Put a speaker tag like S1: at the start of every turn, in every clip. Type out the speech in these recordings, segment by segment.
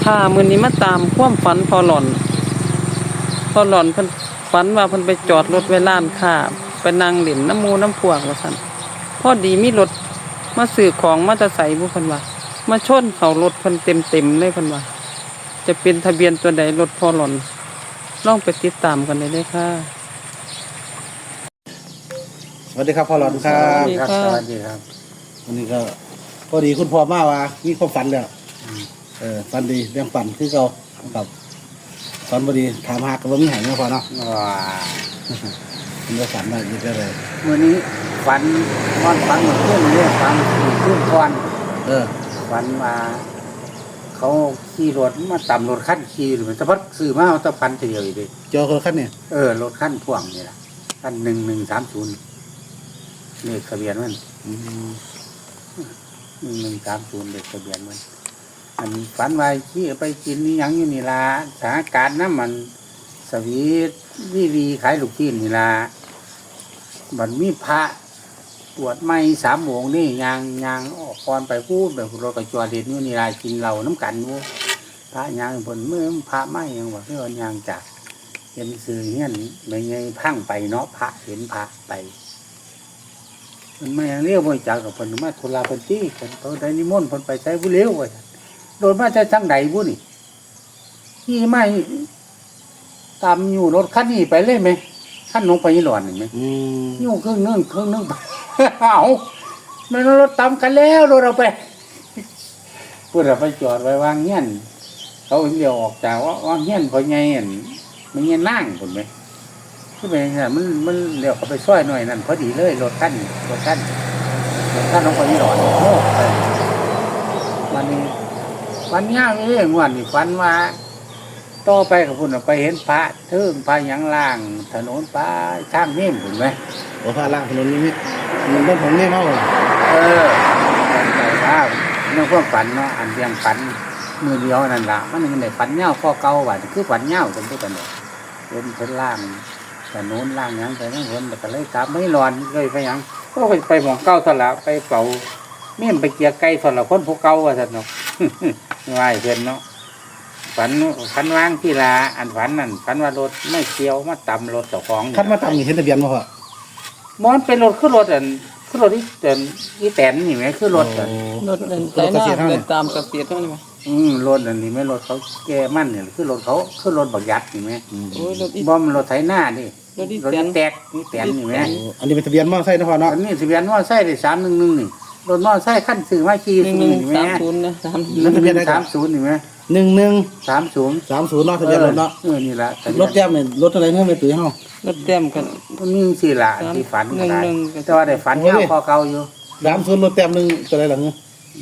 S1: ค่ะมื้อนี้มาตามความฝันพอหล่อนเพิ่นฝันว่าเพิ่นไปจอดรถไว้ร้านค้าไปนั่งเล่นน้ำหมู่น้ำพวกว่าซั่นพอดีมีรถมาซื้อของมาแต่ไสบ่เพิ่นว่ามาชนเข้ารถเพิ่นเต็มๆเลยเพิ่นว่าจะเป็นทะเบียนตัวใดรถพอหล่อนลองไปติดตามกันได้เลยค่ะ
S2: สวัสดีครับพ่อหลอดครั
S1: สวั
S2: บ
S1: สดีค่ะ
S3: สวัสดีครับ
S2: วันนี้ก็พอดีคุณพ่อมาว่ามีความฝันแล้วฝันดีเรื่องฝันคือเราครับฝันพอดีถามหากับว่ามีหายไหมพ่อเนาะ
S3: ว้า
S2: มันก็ฝันมาอีกแล้วเลย
S3: มื่อนี้ฝันนอนฝันเหมือนขึ้นเนี่ยฝันขึ้นก่อน
S2: เออ
S3: ฝันมาเขาขี่รถมาต่ำรถขั้นขี่หรือมันสะพัดซื้อมาเอาแตะพันเดียวอีกเลย
S2: เจอคนละขั้นเนี่ย
S3: รถขั้นพ่วงนี่แหละขั้น1130เลขทะเบียนมัน1130เลขทะเบียนมันอันนี้ฝันว่าขี่ไปกินนี่ยังอยู่นี่ละสถานการณ์น้ำมันสวีทวีขายลูกชิ้นนี่ละมันมีพระปวดไม่3 โมงนี่ยางออกก่อนไปพูดแบบรถกระจวดเด็ดอยู่นี่ละกินเหล้าน้ำกันอยู่พระยางผลเมื่อพระไม่ยังว่าเพื่อนยางจากเห็นสื่อเงี้ยไม่ไงพังไปเนาะพระเห็นพระไปมันไม่ยังเรียกว่าจากกับผลมาทุลาพันตี้ผลเขาได้นิมนต์ผลไปใช้ผู้เลี้ยวไว้โดนมาจะทั้งใดบุนี่ที่ไม่ตามอยู่รถคันนี้ไปเลยไหมขั้นลงไปยี่หลอนเห็นไหมอยู่เครื่องนึงเอามันรถตามกันแล้วรถเราไปเพื่อเราไปจอดไว้วางเงี้ยนเขาเดียวออกจากว่างเงี้ยนพอไงเห็นมันเงี้ยนั่งคนไหมที่เป็นไงมันเดี๋ยวเขาไปซ้อยหน่อยนั่นพอดีเลยรถขั้นลงไปยี่หลอนโอ้วันนี้วันย่างเองวันนี้ฝันว่าต่อไปกับคุณไปเห็นพระเทิงพระยังล่างถนนป้าทางนี่เห็นไหม
S2: โอ้พาล่างถนนนี้มันต้องของเนี่ยเมาเลย
S3: แต่ว่าเรื่องความฝันเนาะอันเรียงฝันมือเดียวนั่นละมันหนึ่งในฝันเงาข้อเก่าว่าคือฝันเงาจนทุกกันเลยเป็นล่างถนนล่างยังไปนั่งวนแต่ก็เลยกลับไม่ร้อนเลยไปยังก็ไปหมองเก้าสละไปเป่าเมี่ยมไปเกียร์ไก่สละคนพวกเก่าว่าสัตว์เนาะไหวเพื่อนเนาะฝันว่างที่ลาอันฝันนั่นฝันว่ารถไม่เกี่ยวมาต่ำรถเจ้าของ
S2: ขั้นมาตามนี่เห็นทะเบียนมาพ่อ
S3: มันเป็นรถขึ้นรถที่แตนนี่ไหมขึ้นรถอัน
S1: รถเดินใจหน้าเดินตามกระเสียดเท่านี้มั้ย
S3: รถอันนี้ไหมรถเขาแก่มั่นเนี่ยขึ้นรถเขาขึ้นรถบักยัดนี่ไหม
S1: โอ้ยรถอี
S3: บอมรถไถหน้าดิ
S1: รถอี
S3: รถ
S1: แตน
S3: แตกนี่แตนนี่ไหม
S2: อันนี้เป็นทะเบียนมอเตอร์ไซค์นะพ่อเนาะ
S3: อันนี้ทะเบียนมอไซค์ได้311นี่รถมอไซค์ขั้นซื้อมาขี่นี่ไหม
S1: 1130นะ30
S2: นั่นทะเบียนอะไรกัน
S3: 30นี่ไหม
S2: 1130
S3: 30
S2: เนาะทะเบียนรถเนาะ
S3: นี่ละ
S2: รถแก้มเนี่ยรถอะไรเงี้ยไม่ตื่นห้อง
S1: รถเต็มกัน
S3: มันมีสิละที่ฝันก็ได้
S1: 11
S3: แต่ว่าได้ฝันเงาพอเก่าอยู่
S2: 30รถแต้มหนึ่งตัวอะไรหลังเนี่ย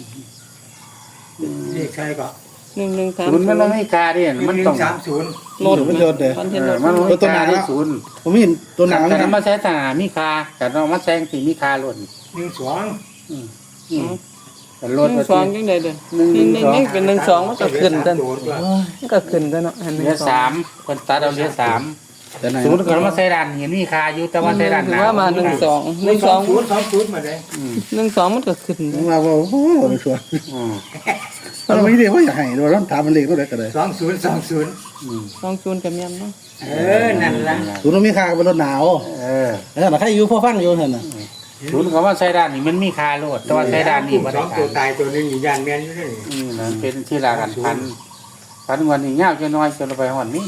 S4: นี่ใช่ก็
S3: ศูนย์มันไม่มีค่าดิมันต้อง
S4: 1130
S1: รถ
S2: มันโดนเลย
S1: มันเห็นรถ
S3: มันไม่มีค่าที่ศูนย์
S2: ผมไม่เห็นตัวหนัง
S3: แต่
S2: นะ
S3: มาใช้สนามมีคาแต่เรามาแซงสีมีคาล้วน
S4: 12
S3: แต่รถ
S1: 12จังได๋เด้อนี่เป็น12มันก็ขึ้นกันมันก็ขึ้นกันเนาะอัน
S3: เหลือ3คนตัดเอาเหลือ3
S2: แต่ไหน
S3: ศูนย์ก็มาใช้ดันเห็นมีคาอยู่แต่ว่าใช้ดัน
S1: ถือว่ามา
S4: 20มาเลย
S1: 12มันก็ขึ้น
S2: มาว่าโอ้โหไม่ชัวร์เราไม่ได้ว่าอยากให้เราต้องถามมันเล็กก็ได้ก็ได้
S4: 2020
S1: 20ก็แม่นเนาะ
S4: นั่นล่ะ
S2: ศูนย์มีค่าเป็นรถหนาวแล้วใครอยู่พ่อฟังอยู่เห็นน่ะ
S3: ศูนย์ก็ว่าใช้ดันนี่มันมีคาโลดแต่ว่าใช้ดันนี่บ่ได้
S4: 2ตัวตายตัวนึงอยู่ย่านแม่นอยู่นี่
S3: นั่นเป็นที่ละกันพันวันนี้ยาวจะน้อยจนเราไปหอนนี่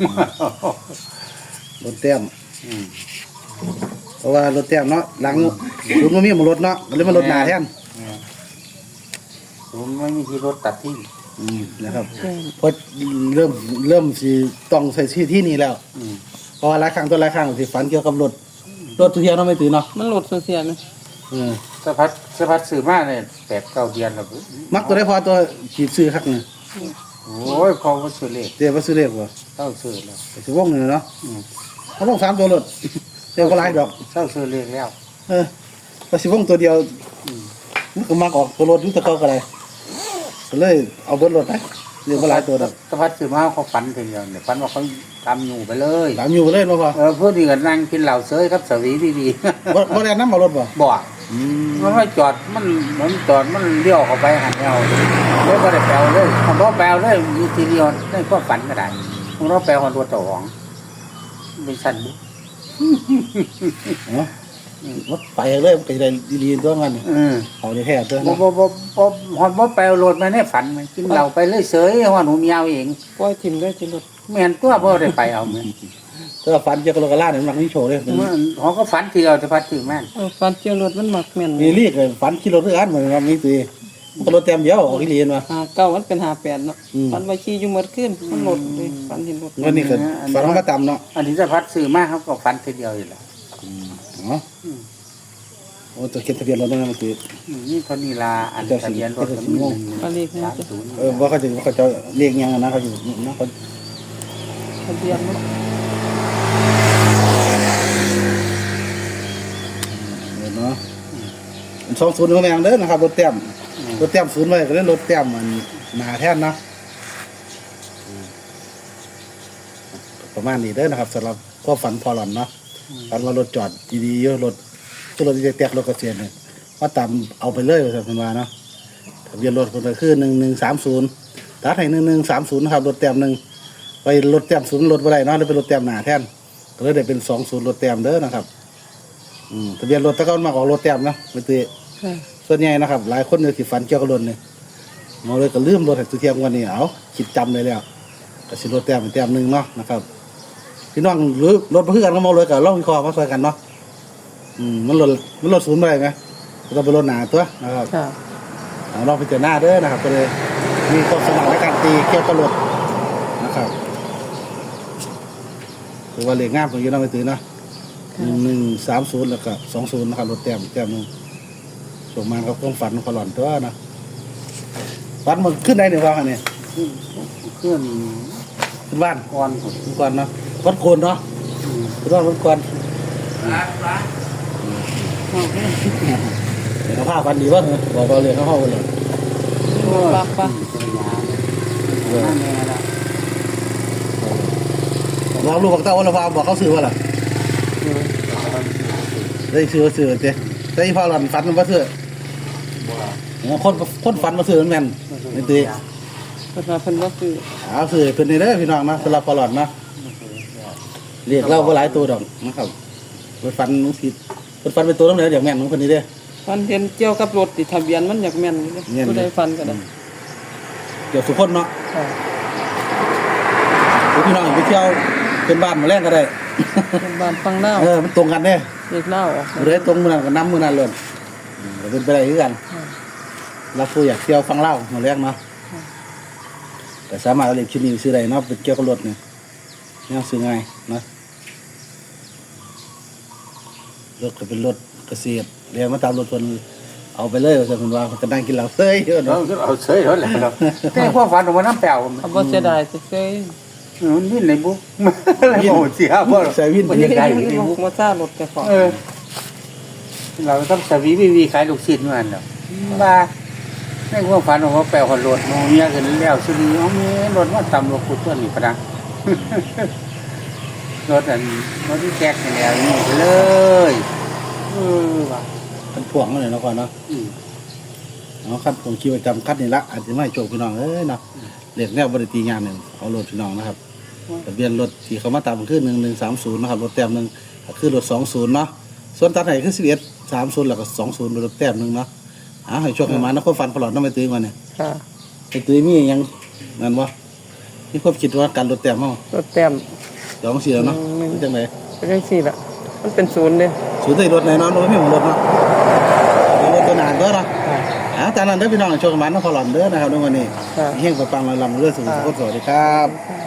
S2: รถเต็มเพราะว่ารถเต็มเนาะหลังศูนย์มันมีมารถเนาะเลยมันรถหนาแทน
S3: ศูนย์ไม่มีที่รถตัดที่
S2: นะครับเพราะเริ่มสิต้องใส่ชื่อที่นี่แล้วเพราะว่าหลายครั้งสิฝันเกี่ยวกับรถทุกเที่ยวเราไม่ตื่นเนาะ
S1: มันรถเสียนะ
S3: สะพัดสื่อมาเนี่ย8-9 เดือนแล้ว
S2: มักตัวได้พอตัวขีดซื้อคักเนี่ย
S3: โอ้ยเขาก็ซื้อเลข
S2: เดี๋ยวว่าซื้อเลขบ่
S3: เต้าซื้อแล้ว
S2: สิวงเงินเนาะเขาต้อง3ตัวรถเดี๋ยวก็หลายดอก
S3: เต้าซื้อเลขแล้ว
S2: ก็สิวงตัวเดียวมันก็มักออกตัวรถอยู่แตะเก่าก็ได้ก็เลยเอาเบิดรถไปเรียกว่าหลายตัวดอก
S3: สะพัดสื่อมาเขาฝันทีเดียวเนี่ยฝันว่าเขาทำอยู่ไปเลย
S2: ตามอยู่เลยบ่พอ
S3: เพื่อนดีกันนั่งกินเหล้าเซยครับสวีดี
S2: บ่ได้นำเอารถบ่
S3: ๆบอกมันไม่จอดมันเหมือนจอดมันเลี้ยวเข้าไปหันเอารถเลยบ่ได้แปลเลยผมบ่แปลเลยมีทีเดียวได้ก็ฝันก็ได้ผมบ่แปลคนตัวต่อของเป็นสั่นบุ
S2: เนาะวัดไปเลยไปได้ดีๆตัวมันเอาได้แท้ตัว
S3: บ่
S2: เนาะ
S3: ฮอดบ่แปลโหลดมาในฝันมันกินเหล้าไปเลยเสยว่าหนูเมียเอง
S1: ปล่อยทิ่มได้สิรถ
S3: แม่นตัวบ่ได้ไปเอาแม่น
S2: ก็ฟันเกี่ยวกับโลกาล่าเนี่ยมันมีโชว์เลย
S3: เขาก็ฝันทีเดียวจะพัดถึงแม่น
S1: ฟันเจียวรถมันมักแม่น
S2: มีรีกเลยฟันกิโลด้วยอันเหมือนกันมีตีมันก็รถเต็มเดียวออกที่เรียนมา
S1: เก้ามันเป็น58เนาะฟันไว้ขี่อยู่หมดขึ้นมันหลดเลยฟันเห็นรถ
S2: เงินนี่ก็ฟันมาต่ำเนาะ
S3: อันนี้จะพัดซื้อมาเขาก็ฝันทีเดียวอยู่แล้ว
S2: เนาะโอ้ตัวเขียนทะเบียนรถนั่นมันตี
S3: นี่เท่านี้ละอันทะเบียนรถก็มี130
S2: ว่าเขาจะเรียกยังนะเขาอยู่นะเขา
S1: ทะเบียนรถ
S2: เนาะ20ก็แม่งเด้อนะครับรถเต็ม0ไว้ก็เล่นรถเต็มมันหนาแท่นนะประมาณนี้เด้อนะครับสำหรับก็ฝันพอหลอนเนาะฝันว่ารถจอดดีๆเยอะรถรถจะแตกรถกระเซียนเนี่ยว่าตามเอาไปเลยว่าสันมาเนาะทะเบียนรถคนละคือ1130ตัดให้1130นะครับรถเต็ม1ไปรถเต็ม0รถบ่ได้เนาะเลยเป็นรถเต็มหนาแท่นก็เลยได้เป็น20รถเต็มเด้อนะครับทะเบียนรถตะก้อนมาของรถเต็มเนาะไม่ตีส่วนใหญ่นะครับหลายคนเนี่ยสิฝันเกี่ยวกับรถเนี่ยมาเลยก็ลืมรถให้ตัวเทียมกันนี่เอาคิดจำเลยแล้วก็สิรถเต็มเป็นเต็ม1เนาะนะครับพี่น้องหรือรถเพื่อนก็มาเลยก็ลองวิเคราะห์มาช่วยกันเนาะมันรถศูนย์ไปไหมก็เป็นรถหนาตัวนะครับลองไปเจอหน้าเด้อนะครับก็เลยมีความสมัครในการตีเกี่ยวกับรถนะครับคือว่าเลขงามของยูน้องไปตีเนาะ1130แล้วก็20นะครับรถเต็มส่งมาครับความฝันของหลอนตัวนะฝันมันขึ้นได้หนึ่งวันเนี่ย
S3: เครื่อง
S2: ขึ้นบ้าน
S3: ก้อน
S2: ก่อนเนาะวัดโคนเนาะขึ้นบ้านวัดโคนเดี๋ยวผ้าฟันดีวะบอกเราเลยเขาเข้าไปเลย
S1: ปะ
S2: เราลูกของเต้าวันละพาบอกเขาซื้อว่าล่ะได้ซื้อเจ๊ได้พ่อหลอนฟันมันมาซื้อคนฟันมาซื้อแม่นไม่ตี
S1: เพิ่นว่าเพิ่นบ่ซื้อ
S2: เอาซื้อเป็นในเด้อพี่น้องนะสำหรับพ่อหลอนนะเรียกเราก็หลายตัวดอกนะครับรถฟันน้องผิดรถฟันเป็นตัวน้องเหนืออย่างแม่นน้องคนนี้เด้อ
S1: ฟันเห็นเกี่ยวกับรถติทะเบียนมันอยากแม่นอยู่เด้ผู้ใดฟันก็ได้
S2: เกี่ยวสุขคนเนาะพี่น้องไปเที่ยวเป็นบ้านมาแรกก็ได้
S1: เป็นบ้านฟังหน้า
S2: มันตรงกันเนี่ย
S1: เด็กเล่าออก
S2: เลยตรงมือนั้นกับน้ำมือนั้นเลยเป็นไปได้ด้วยกันเราคุยอยากเที่ยวฟังเล่ามาแรกเนาะแต่สามารถเอาเล็กชิ้นนี้ซื้อได้เนาะเป็นเกี่ยวกับรถเนี่ยนี่ซื้อง่ายนะรถก็เป็นรถเกษตรเรียนมาตามรถคนเอาไปเลยแต่คุณว่าจะนั่งกินเหล้าเซ้ยเยอะ
S3: เรา
S2: เนาะ
S3: เอาเฉยแล้วแหละเนาะแต่ความฝันของมันน้ำแปลว
S1: เอาบ่เสียดายซื่อ
S3: มันวิ่งในบุ๊กอะไรโอ้เสียบ่
S2: ใส่วิน
S3: มันยังได้อยู่ใน
S1: ๆ
S3: บุ๊ก
S1: มาซ่ารถแต่ของ
S3: เราต้องสวีขายลูกชิ้นมันเนาะว่าในความฝันของว่าแปลว่ารถโมเมียกันแล้วสุดีเอามีรถว่าต่ำรถขุดตัวนี่ปะนะรถที่แจกนี่แล้วนี่ไปเลยว่ะ
S2: เป็นพ่วงเลยเนาะก่อนเนาะเอาขั้นผมคิดว่าจำขั้นนี่ละอาจจะไม่โจกพี่น้องเนาะเรียกแนวบริตีงานหนึ่งเอารถพี่น้องนะครับทะเบียนรถที่เขามาตามคือ1130นะครับรถแต้ม1คือรถ20เนาะส่วนตัดให้คือ1130แล้วก็20เป็นรถแต้ม1เนาะให้โชคให้มานะคนฟันพลอดน้ำไปตื้อก่อนเนี่ย
S1: ค่ะ
S2: ไปตื้อมียังนั่นวะมีความคิดว่าการรถแต้มเฮาร
S1: ถแต้ม
S2: 2-4แล้วเนาะเป็นจังได๋
S1: เป็นจังซี่ล่ะมันเป็นศูนย์เด้
S2: สูตรรถไหนเนาะรถมีของรถเนาะรถตัวหนาเด้อเนาะจากนั้นเด้อพี่น้องโชคให้มานะพลอดเด้อนะครับในวันนี้เฮงปังๆลำเรื่อยสุขสวัสดีครับ